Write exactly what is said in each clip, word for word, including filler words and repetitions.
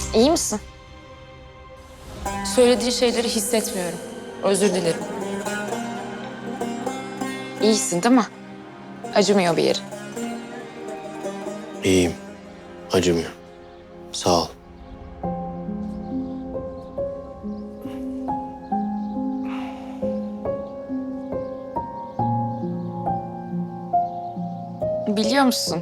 İyi misin? Söylediğin şeyleri hissetmiyorum. Özür dilerim. İyisin değil mi? Acımıyor bir yeri. İyiyim. Acımıyor. Sağ ol. Biliyor musun?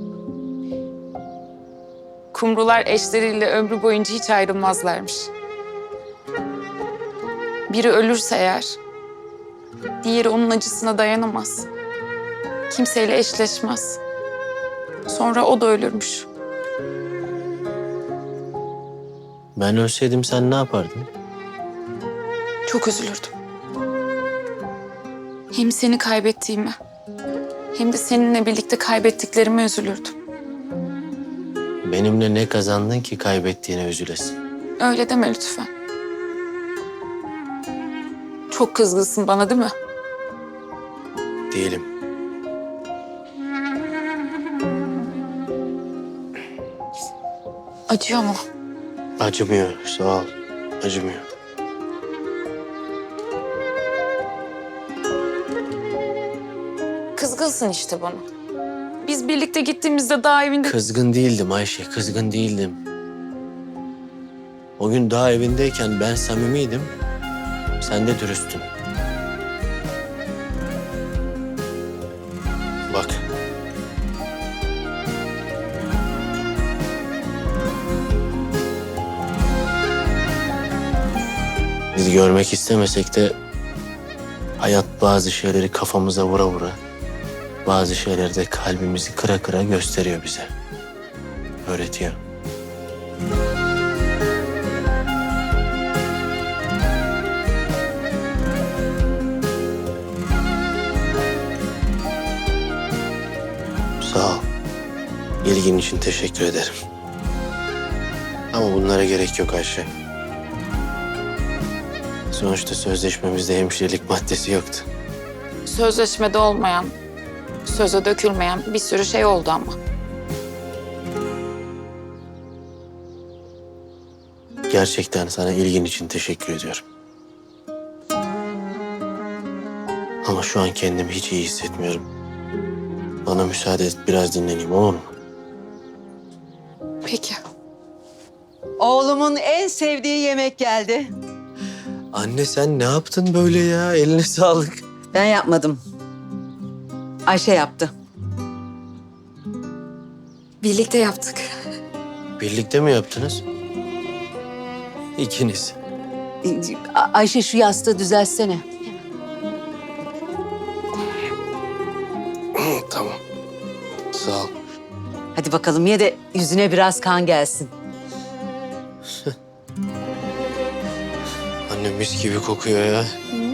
Kumrular eşleriyle ömrü boyunca hiç ayrılmazlarmış. Biri ölürse eğer, diğeri onun acısına dayanamaz. Kimseyle eşleşmez. Sonra o da ölürmüş. Ben ölseydim sen ne yapardın? Çok üzülürdüm. Hem seni kaybettiğime, hem de seninle birlikte kaybettiklerime üzülürdüm. Benimle ne kazandın ki kaybettiğine üzülesin? Öyle deme lütfen. Çok kızgınsın bana değil mi? Değilim. Acıyor mu? Acımıyor. Sağ ol. Acımıyor. Kızgınsın işte bana. Biz birlikte gittiğimizde daha evinde... Kızgın değildim Ayşe. Kızgın değildim. O gün daha evindeyken ben samimiydim. Sen de dürüsttün. Bak. Biz görmek istemesek de hayat bazı şeyleri kafamıza vura vura, bazı şeyleri de kalbimizi kıra kıra gösteriyor bize. Öğretiyor. Sağ ol. İlgin için teşekkür ederim. Ama bunlara gerek yok Ayşe. Sonuçta sözleşmemizde hemşirelik maddesi yoktu. Sözleşmede olmayan, söze dökülmeyen bir sürü şey oldu ama. Gerçekten sana ilgin için teşekkür ediyorum. Ama şu an kendimi hiç iyi hissetmiyorum. Bana müsaade et, biraz dinleneyim, olur mu? Peki. Oğlumun en sevdiği yemek geldi. Anne sen ne yaptın böyle ya? Eline sağlık. Ben yapmadım. Ayşe yaptı. Birlikte yaptık. Birlikte mi yaptınız? İkiniz. A- Ayşe şu yastığı düzeltsene. Tamam. Sağ ol. Hadi bakalım ye de yüzüne biraz kan gelsin. Anne mis gibi kokuyor ya.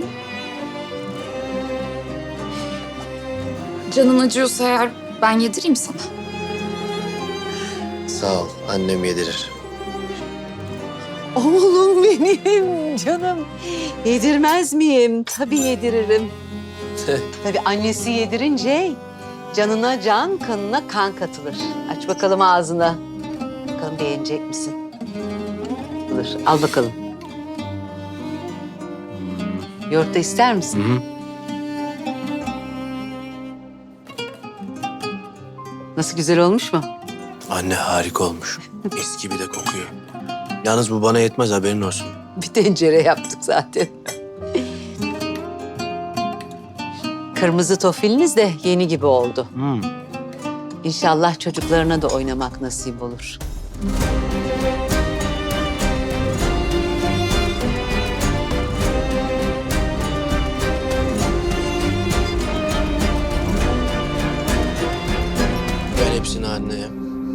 Canın acıyorsa eğer ben yedireyim sana. Sağ ol. Annem yedirir. Oğlum benim canım. Yedirmez miyim? Tabii yediririm. Tabii annesi yedirince canına can, kanına kan katılır. Aç bakalım ağzına. Bakalım beğenecek misin? Dur, al bakalım. Yoğurt da ister misin? Hı hı. Nasıl, güzel olmuş mu? Anne harika olmuş. Mis gibi de kokuyor. Yalnız bu bana yetmez, haberin olsun. Bir tencere yaptık zaten. Kırmızı tofiliniz de yeni gibi oldu. Hmm. İnşallah çocuklarına da oynamak nasip olur. Ver hepsini anneye.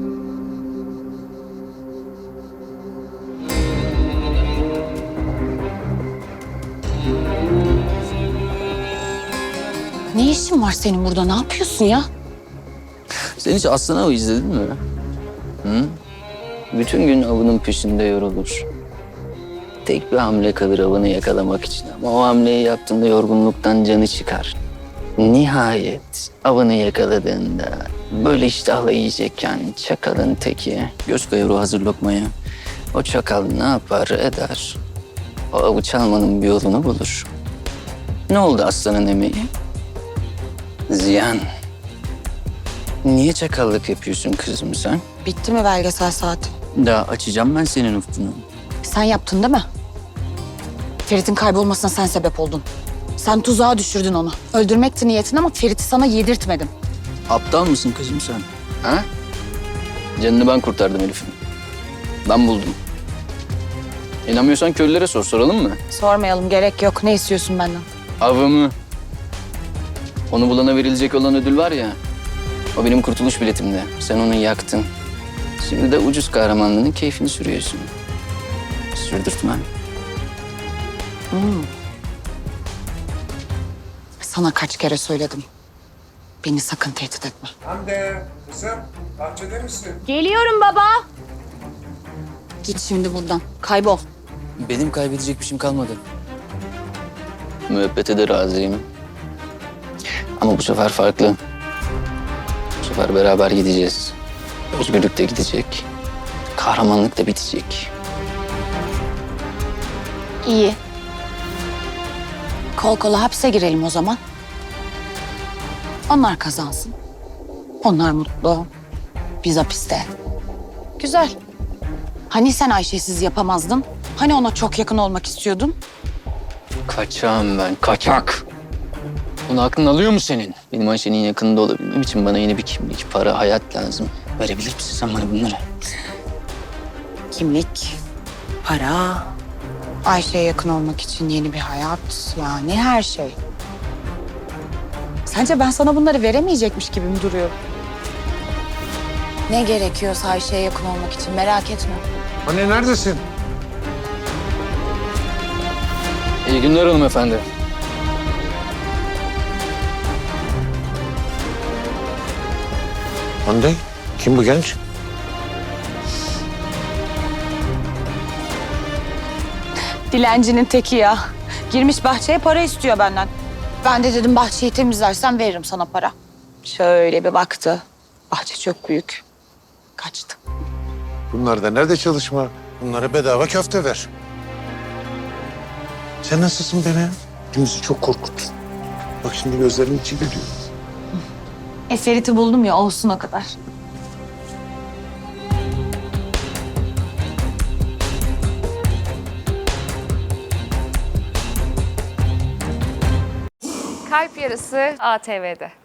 Ne işin var senin burada? Ne yapıyorsun ya? Sen hiç Aslan Avı izledin mi? Hı? Bütün gün avının peşinde yorulur. Tek bir hamle kalır avını yakalamak için ama o hamleyi yaptığında yorgunluktan canı çıkar. Nihayet avını yakaladığında böyle iştahla yiyecekken çakalın teki göz kayır o hazır lokmaya. O çakal ne yapar eder. O avuç almanın bir yolunu bulur. Ne oldu aslanın emeği? Ziyan. Niye çakallık yapıyorsun kızım sen? Bitti mi belgesel saati? Daha açacağım ben senin ufkunu. Sen yaptın değil mi? Ferit'in kaybolmasına sen sebep oldun. Sen tuzağa düşürdün onu. Öldürmekti niyetin ama Ferit'i sana yedirtmedim. Aptal mısın kızım sen? Ha? Canını ben kurtardım Elif'in. Ben buldum. İnanmıyorsan köylülere sor, soralım mı? Sormayalım, gerek yok. Ne istiyorsun benden? Avımı. Onu bulana verilecek olan ödül var ya. O benim kurtuluş biletimde. Sen onu yaktın. Şimdi de ucuz kahramanlığının keyfini sürüyorsun. Sürdürtmem. Sana kaç kere söyledim. Beni sakın tehdit etme. Hande, kızım, bahçede misin? Geliyorum baba. Git şimdi buradan. Kaybol. Benim kaybedecek bir şeyim kalmadı. Müebbete de razıyım. Ama bu sefer farklı. Bu sefer beraber gideceğiz. Özgürlük de gidecek. Kahramanlık da bitecek. İyi. Kol kola hapse girelim o zaman. Onlar kazansın. Onlar mutlu. Biz hapiste. Güzel. Hani sen Ayşe'siz yapamazdın? Hani ona çok yakın olmak istiyordun? Kaçağım ben, kaçak. Bunu aklın alıyor mu senin? Benim Ayşe'nin yakınında olabilmem için bana yeni bir kimlik, para, hayat lazım. Verebilir misin sen bana bunları? Kimlik, para, Ayşe'ye yakın olmak için yeni bir hayat, yani her şey. Sence ben sana bunları veremeyecekmiş gibi mi duruyorum? Ne gerekiyorsa Ayşe'ye yakın olmak için merak etme. Anne neredesin? İyi günler hanımefendi. Hande, kim bu genç? Dilencinin teki ya. Girmiş bahçeye para istiyor benden. Ben de dedim bahçeyi temizlersen veririm sana para. Şöyle bir baktı. Bahçe çok büyük. Kaçtı. Bunlar da nerede çalışma? Bunlara bedava köfte ver. Sen nasılsın beni? Bizi çok korkuttun. Bak şimdi gözlerimin içi gülüyor. E Ferit'i buldum ya, olsun o kadar. Kalp Yarısı A T V'de.